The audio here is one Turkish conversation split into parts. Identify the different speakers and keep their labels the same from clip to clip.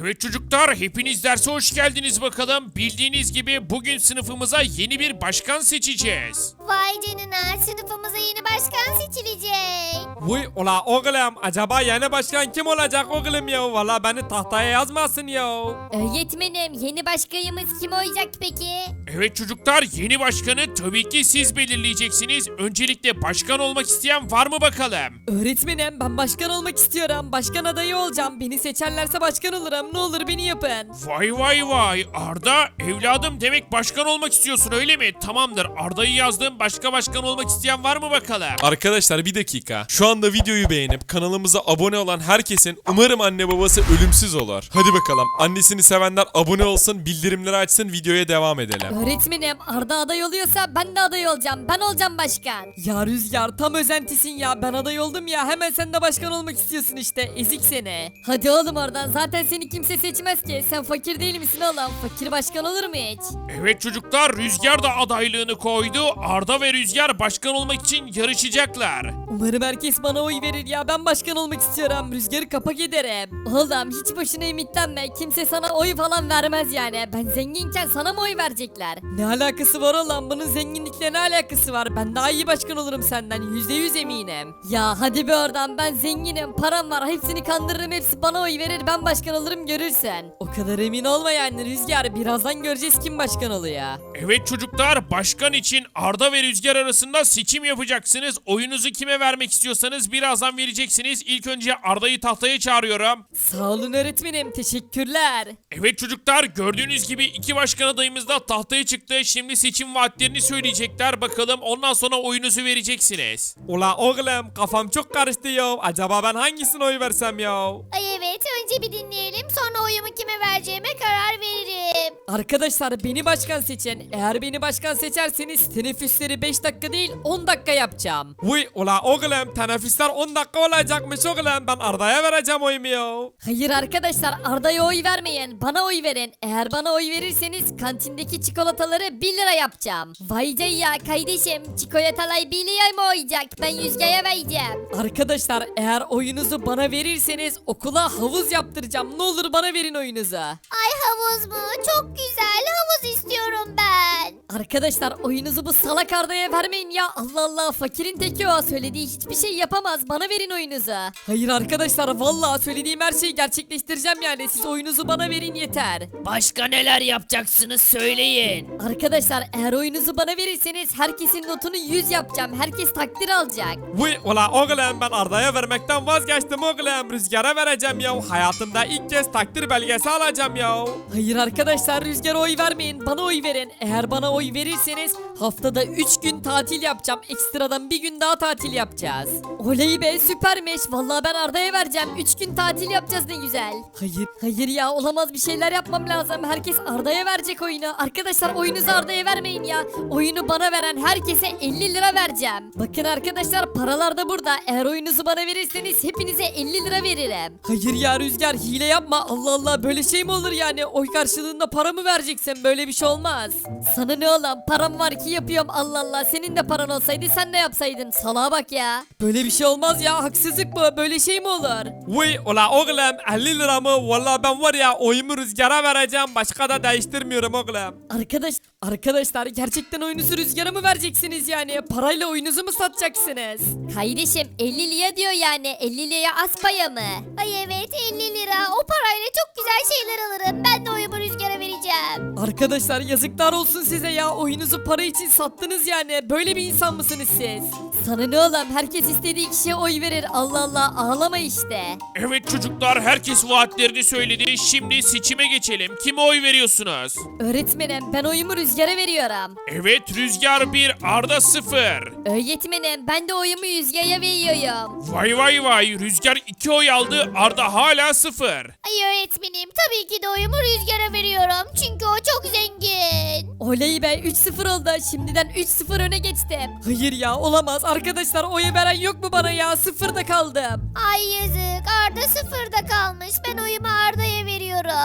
Speaker 1: Evet çocuklar, hepiniz derse hoş geldiniz bakalım. Bildiğiniz gibi bugün sınıfımıza yeni bir başkan seçeceğiz.
Speaker 2: Vay canına, sınıfımıza yeni başkan seçilecek.
Speaker 3: Vay ula oğlum, acaba yeni başkan kim olacak oğlum ya? Valla beni tahtaya yazmasın ya.
Speaker 2: Öğretmenim, yeni başkanımız kim olacak peki?
Speaker 1: Evet çocuklar, yeni başkanı tabii ki siz belirleyeceksiniz. Öncelikle başkan olmak isteyen var mı bakalım?
Speaker 4: Öğretmenim ben başkan olmak istiyorum. Başkan adayı olacağım. Beni seçerlerse başkan olurum. Ne olur beni yapın.
Speaker 1: Vay vay vay, Arda evladım, demek başkan olmak istiyorsun öyle mi? Tamamdır, Arda'yı yazdım. Başka başkan olmak isteyen var mı bakalım?
Speaker 5: Arkadaşlar bir dakika. Şu anda videoyu beğenip kanalımıza abone olan herkesin umarım anne babası ölümsüz olur. Hadi bakalım. Annesini sevenler abone olsun, bildirimleri açsın, videoya devam edelim.
Speaker 2: Öğretmenim, Arda aday oluyorsa ben de aday olacağım. Ben olacağım başkan.
Speaker 4: Ya Rüzgar tam özentisin ya. Ben aday oldum ya. Hemen sen de başkan olmak istiyorsun işte. Ezik seni.
Speaker 2: Hadi oğlum oradan, zaten seni kimse seçmez ki. Sen fakir değil misin oğlum? Fakir başkan olur mu hiç?
Speaker 1: Evet çocuklar, Rüzgar da adaylığını koydu. Arda ve Rüzgar başkan olmak için yarışacaklar.
Speaker 4: Umarım herkes bana oy verir ya. Ben başkan olmak istiyorum. Rüzgarı kapak ederim.
Speaker 2: Oğlum hiç boşuna ümitlenme. Kimse sana oy falan vermez yani. Ben zenginken sana mı oy verecekler?
Speaker 4: Ne alakası var oğlum? Bunun zenginlikle ne alakası var? Ben daha iyi başkan olurum senden. %100 eminim.
Speaker 2: Ya hadi be oradan, ben zenginim, param var, hepsini kandırırım, hepsi bana oy verir, ben başkan olurum, görürsen.
Speaker 4: O kadar emin olma yani Rüzgar. Birazdan göreceğiz kim başkan oluyor.
Speaker 1: Evet çocuklar, başkan için Arda ve Rüzgar arasında seçim yapacaksınız. Oyunuzu kime vermek istiyorsanız birazdan vereceksiniz. İlk önce Arda'yı tahtaya çağırıyorum.
Speaker 4: Sağ olun öğretmenim. Teşekkürler.
Speaker 1: Evet çocuklar, gördüğünüz gibi iki başkan adayımız da tahtaya çıktı. Şimdi seçim vaatlerini söyleyecekler. Bakalım, ondan sonra oyunuzu vereceksiniz.
Speaker 3: Ula oğlum, kafam çok karıştı ya. Acaba ben hangisine oy versem ya?
Speaker 2: Ay evet, önce bir dinleyelim, sonra oyumu kime vereceğime karar veririm.
Speaker 4: Arkadaşlar beni başkan seçin. Eğer beni başkan seçerseniz teneffüsleri 5 dakika değil 10 dakika yapacağım.
Speaker 3: Vay ula oğlum, teneffüsler 10 dakika olacakmış oğlum. Ben Arda'ya vereceğim oyumu ya.
Speaker 2: Hayır arkadaşlar, Arda'ya oy vermeyin, bana oy verin. Eğer bana oy verirseniz kantindeki çikolataları 1 lira yapacağım. Vay ya kardeşim, çikolatalar 1 lira mı olacak? Ben Rüzgar'a vereceğim.
Speaker 4: Arkadaşlar eğer oyunuzu bana verirseniz okula havuz yaptıracağım. Ne olur bana verin oyunuzu.
Speaker 2: Ay havuz mu? Çok güzel, havuz istiyorum ben. Arkadaşlar oyunuzu bu salak Arda'ya vermeyin ya. Allah Allah, fakirin teki o. Söylediği hiçbir şey yapamaz. Bana verin oyunuzu.
Speaker 4: Hayır arkadaşlar vallahi söylediğim her şeyi gerçekleştireceğim yani. Siz oyunuzu bana verin yeter.
Speaker 6: Başka neler yapacaksınız söyleyin.
Speaker 2: Arkadaşlar eğer oyunuzu bana verirseniz herkesin notunu 100 yapacağım. Herkes takdir alacak.
Speaker 3: Vay ula oğlum, ben Arda'ya vermekten vazgeçtim oğlum. Rüzgar'a vereceğim ya. Hayatımda ilk kez takdir belgesi alacağım ya.
Speaker 4: Hayır arkadaşlar Rüzgar'a oy vermeyin. Bana oy verin. Eğer bana oy verirseniz haftada 3 gün tatil yapacağım. Ekstradan bir gün daha tatil yapacağız.
Speaker 2: Oley be, süpermiş. Vallahi ben Arda'ya vereceğim. 3 gün tatil yapacağız, ne güzel. Hayır ya, olamaz, bir şeyler yapmam lazım. Herkes Arda'ya verecek oyunu. Arkadaşlar oyunuzu Arda'ya vermeyin ya. Oyunu bana veren herkese 50 lira vereceğim. Bakın arkadaşlar, paralar da burada. Eğer oyunuzu bana verirseniz hepinize 50 lira veririm.
Speaker 4: Hayır ya Rüzgar hile yapma. Allah Allah böyle şey mi olur yani? Oy karşılığında para mı vereceksin? Böyle bir şey olmaz.
Speaker 2: Sana ne oğlum, param var ki yapıyorum, Allah Allah. Senin de paran olsaydı sen de yapsaydın. Salağa bak ya.
Speaker 4: Böyle bir şey olmaz ya. Haksızlık bu. Böyle şey mi olur?
Speaker 3: Vay ula oğlum, 50 lira mı? Valla ben var ya, oyumu Rüzgar'a vereceğim. Başka da değiştirmiyorum oğlum.
Speaker 4: Arkadaşlar gerçekten oyunuzu Rüzgar'a mı vereceksiniz yani? Parayla oyunuzu mu satacaksınız?
Speaker 2: Kardeşim 50 lira diyor yani. 50 liraya az paya mı? Ay evet, 50 lira. O parayla çok güzel şeyler alırım. Ben de oyumu Rüzgar'a vereceğim.
Speaker 4: Arkadaşlar yazıklar olsun size ya. Oyunuzu para için sattınız yani. Böyle bir insan mısınız siz?
Speaker 2: Sana ne oğlum, herkes istediği kişiye oy verir. Allah Allah, ağlama işte.
Speaker 1: Evet çocuklar, herkes vaatlerini söyledi. Şimdi seçime geçelim. Kime oy veriyorsunuz?
Speaker 2: Öğretmenim, ben oyumu Rüzgar'a veriyorum.
Speaker 1: Evet, Rüzgar 1, Arda 0.
Speaker 2: Öğretmenim, ben de oyumu Rüzgar'a veriyorum.
Speaker 1: Vay vay vay, Rüzgar 2 oy aldı, Arda hala 0.
Speaker 2: Ay öğretmenim, tabii ki de oyumu Rüzgar'a veriyorum. Çünkü o çok zengin.
Speaker 4: Oley be 3-0 oldu. Şimdiden 3-0 öne geçtim. Hayır ya olamaz. Arkadaşlar oyu veren yok mu bana ya? Sıfırda kaldım.
Speaker 2: Ay yazık, Arda sıfırda kalmış. Ben oyumu Arda'ya veriyorum.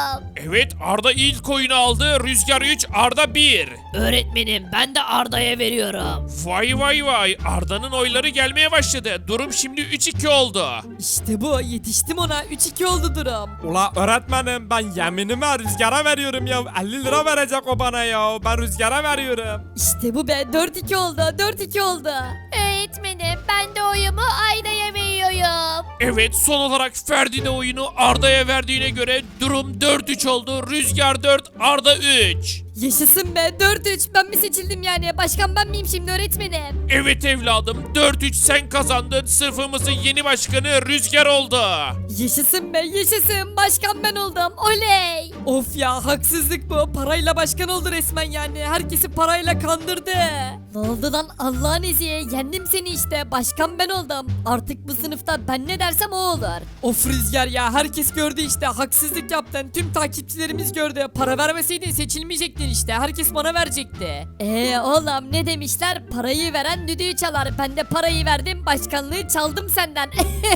Speaker 1: Evet, Arda ilk oyunu aldı. Rüzgar 3, Arda 1.
Speaker 6: Öğretmenim ben de Arda'ya veriyorum.
Speaker 1: Vay vay vay, Arda'nın oyları gelmeye başladı. Durum şimdi 3-2 oldu.
Speaker 4: İşte bu, yetiştim ona. 3-2 oldu durum.
Speaker 3: Ula öğretmenim ben yeminimi Rüzgar'a veriyorum ya. 50 lira verecek o bana ya. Ben Rüzgar'a veriyorum.
Speaker 2: İşte bu be 4-2 oldu 4-2 oldu.
Speaker 7: Öğretmenim ben de oyumu Ayda'ya veriyorum.
Speaker 1: Evet, son olarak Ferdi de oyunu Arda'ya verdiğine göre durum 4-3 oldu. Rüzgar 4, Arda 3.
Speaker 2: Yaşasın be 4-3 ben mi seçildim yani başkan ben miyim şimdi öğretmenim?
Speaker 1: Evet evladım, 4-3 sen kazandın. Sınıfımızın yeni başkanı Rüzgar oldu.
Speaker 2: Yaşasın be yaşasın başkan ben oldum oley.
Speaker 4: Of ya, haksızlık bu. Parayla başkan oldu resmen yani. Herkesi parayla kandırdı.
Speaker 2: Ne oldu lan Allah'ın izniyle yendim seni işte başkan ben oldum. Artık bu sınıfta ben ne dersem o olur.
Speaker 4: Of Rüzgar ya, herkes gördü işte. Haksızlık yaptın. Tüm takipçilerimiz gördü. Para vermeseydin seçilmeyecektin işte. Herkes bana verecekti.
Speaker 2: Oğlum ne demişler parayı veren düdüğü çalar. Ben de parayı verdim başkanlığı çaldım senden.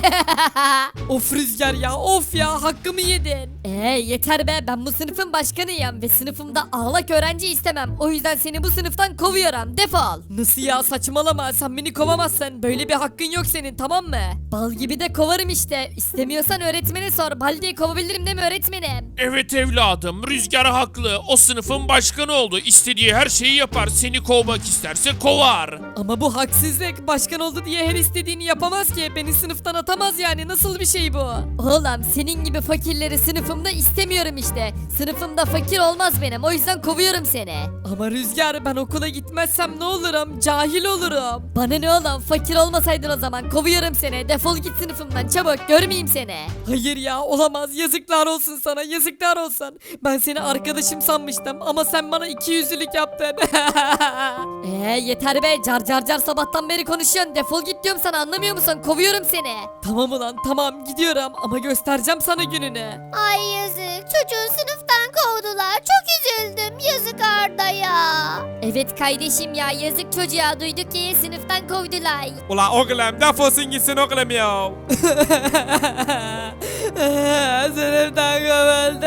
Speaker 4: Of Rüzgar ya, of ya, hakkımı yedin.
Speaker 2: Yeter be ben bu sınıfın başkanıyım ve sınıfımda ağlak öğrenci istemem. O yüzden seni bu sınıftan kovuyorum defol.
Speaker 4: Nasıl ya, saçmalama, sen beni kovamazsın. Böyle bir hakkın yok senin, tamam mı?
Speaker 2: Bal gibi de kovarım işte. İstemiyorsan öğretmene sor. Bal diye kovabilirim değil mi öğretmenim?
Speaker 1: Evet evladım, Rüzgar haklı. O sınıfın başkanı oldu. İstediği her şeyi yapar. Seni kovmak isterse kovar.
Speaker 4: Ama bu haksızlık. Başkan oldu diye her istediğini yapamaz ki. Beni sınıftan atamaz yani. Nasıl bir şey bu?
Speaker 2: Oğlum senin gibi fakirleri sınıfımda istemiyorum işte. Sınıfımda fakir olmaz benim. O yüzden kovuyorum seni.
Speaker 4: Ama Rüzgar, ben okula gitmezsem ne olurum? Cahil olurum.
Speaker 2: Bana ne oğlum fakir olmasaydın o zaman kovuyorum seni. Defol git sınıfımdan çabuk görmeyeyim seni.
Speaker 4: Hayır ya, olamaz. Yazıklar olsun sana, yazıklar olsun. Ben seni arkadaşım sanmıştım ama sen bana ikiyüzlülük yaptın.
Speaker 2: Yeter be car car car sabahtan beri konuşuyorsun. Defol git diyorum sana anlamıyor musun? Kovuyorum seni.
Speaker 4: Tamam ulan, tamam, gidiyorum ama göstereceğim sana gününü.
Speaker 7: Ay yazık çocuğu sınıftan kovdular. Çok üzüldüm yazık Arda'ya.
Speaker 2: Evet kardeşim ya yazık çocuğa duyduk ki sınıftan kovdular.
Speaker 3: Ula oğlum defolsun gitsin oğlum ya.
Speaker 4: Sınıftan kovuldu.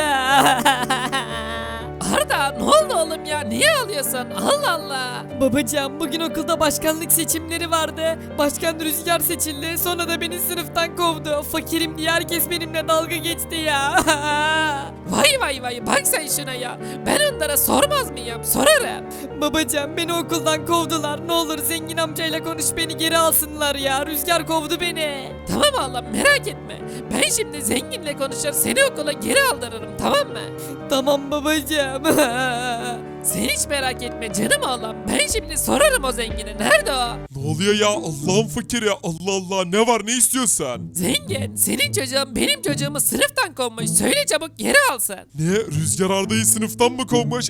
Speaker 4: Arda, ne oldu oğlum ya? Niye ağlıyorsun? Allah Allah. Babacığım, bugün okulda başkanlık seçimleri vardı. Başkan Rüzgar seçildi. Sonra da beni sınıftan kovdu. Fakirim diye herkes benimle dalga geçti ya. Vay vay vay, bak sen şuna ya. Ben onlara sormaz mıyım? Sorarım. Babacığım, beni okuldan kovdular. Ne olur zengin amcayla konuş, beni geri alsınlar ya. Rüzgar kovdu beni. Tamam oğlum, merak etme. Ben şimdi zenginle konuşur, seni okula geri aldırırım, tamam mı? Tamam babacığım. Sen hiç merak etme canım oğlum. Ben şimdi sorarım o zengine. Nerede o?
Speaker 5: Ne oluyor ya, Allah'ın fakiri, Allah Allah, ne var, ne istiyorsan?
Speaker 4: Zengin, senin çocuğun benim çocuğumu sınıftan kovmuş. Söyle çabuk geri alsın.
Speaker 5: Ne, Rüzgar Arda'yı sınıftan mı kovmuş?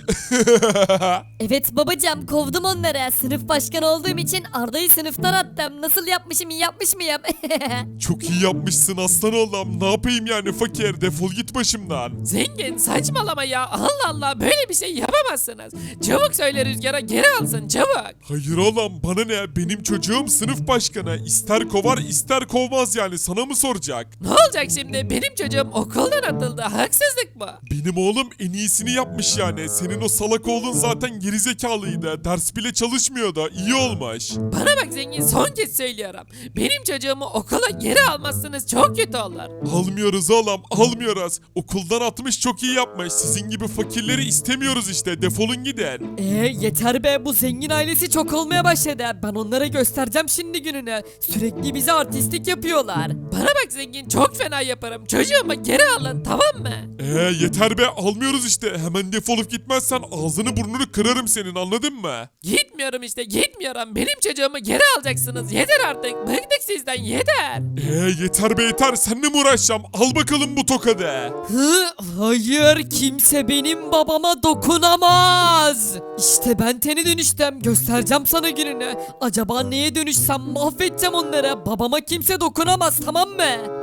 Speaker 2: Evet babacığım kovdum onları. Sınıf başkanı olduğum için Arda'yı sınıftan attım. Nasıl yapmışım iyi yapmış mıyım?
Speaker 5: Çok iyi yapmışsın aslan oğlum, ne yapayım yani fakir, defol git başımdan.
Speaker 4: Zengin, saçmalama ya. Allah Allah, böyle bir şey yapamazsınız. Çabuk söyle Rüzgar'a geri alsın, çabuk.
Speaker 5: Hayır oğlum, bana ne, benim çocuğum sınıf başkanı, ister kovar ister kovmaz, yani sana mı soracak?
Speaker 4: Ne olacak şimdi? Benim çocuğum okuldan atıldı. Haksızlık mı?
Speaker 5: Benim oğlum en iyisini yapmış yani. Senin o salak oğlun zaten gerizekalıydı. Ders bile çalışmıyordu. İyi olmuş.
Speaker 4: Bana bak zengin, son kez söylüyorum. Benim çocuğumu okula geri almazsınız, çok kötü olur.
Speaker 5: Almıyoruz oğlum, almıyoruz. Okuldan atmış, çok iyi yapmış. Sizin gibi fakirleri istemiyoruz işte. Defolun gidin.
Speaker 4: Yeter be, bu zengin ailesi çok olmaya başladı. Ben onlara göstereceğim şimdi gününü. Sürekli bize artistlik yapıyorlar. Bana bak zengin, çok fena yaparım. Çocuğumu geri alın, tamam mı?
Speaker 5: Yeter be, almıyoruz işte. Hemen defolup gitmezsen ağzını burnunu kırarım senin, anladın mı?
Speaker 4: Gitmiyorum işte, gitmiyorum. Benim çocuğumu geri alacaksınız. Yeter artık. Bıktık sizden, yeter.
Speaker 5: Yeter be yeter, seninle mi uğraşacağım? Al bakalım bu tokadı.
Speaker 4: Hayır, kimse benim babama dokunamaz. İşte ben teni dönüştüm. Göstereceğim sana gününü. Acaba neye dönüşsem mahvedeceğim onları. Babama kimse dokunamaz, tamam mı?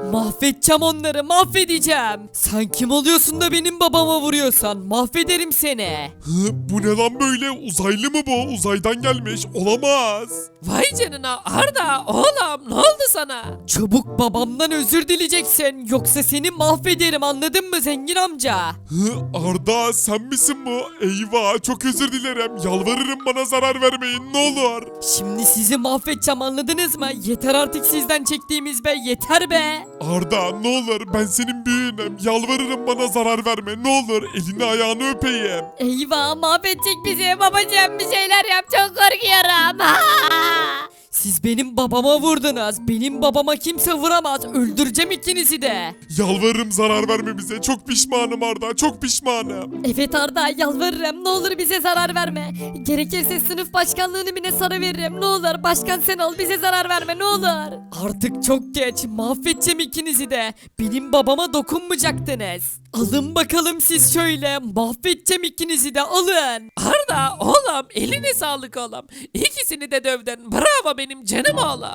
Speaker 4: Mahvedeceğim onları, mahvedeceğim. Sen kim oluyorsun da benim babama vuruyorsan? Mahvederim seni.
Speaker 5: Bu ne lan böyle? Uzaylı mı bu? Uzaydan gelmiş. Olamaz.
Speaker 4: Vay canına Arda oğlum ne oldu sana? Çabuk babamdan özür dileyeceksin yoksa seni mahvederim anladın mı zengin amca?
Speaker 5: Arda sen misin bu? Eyvah çok özür dilerim. Yalvarırım bana zarar vermeyin ne olur.
Speaker 4: Şimdi sizi mahvedeceğim anladınız mı? Yeter artık sizden çektiğimiz be yeter be.
Speaker 5: Arda ne olur ben senin büyüğünüm. Yalvarırım bana zarar verme ne olur. Elini ayağını öpeyim.
Speaker 2: Eyvah mahvedecek bizi babacığım bir şeyler yap çok korkuyorum.
Speaker 4: Siz benim babama vurdunuz. Benim babama kimse vuramaz. Öldüreceğim ikinizi de.
Speaker 5: Yalvarırım zarar verme bize. Çok pişmanım Arda çok pişmanım.
Speaker 2: Evet Arda yalvarırım ne olur bize zarar verme. Gerekirse sınıf başkanlığını bile sana veririm ne olur. Başkan sen ol bize zarar verme ne olur.
Speaker 4: Artık çok geç. Mahvedeceğim ikinizi de. Benim babama dokunmayacaktınız. Alın bakalım siz şöyle. Mahvedeceğim ikinizi de alın. Arda oğlum eline sağlık oğlum. İkisini de dövdün. Bravo benim canım oğlum.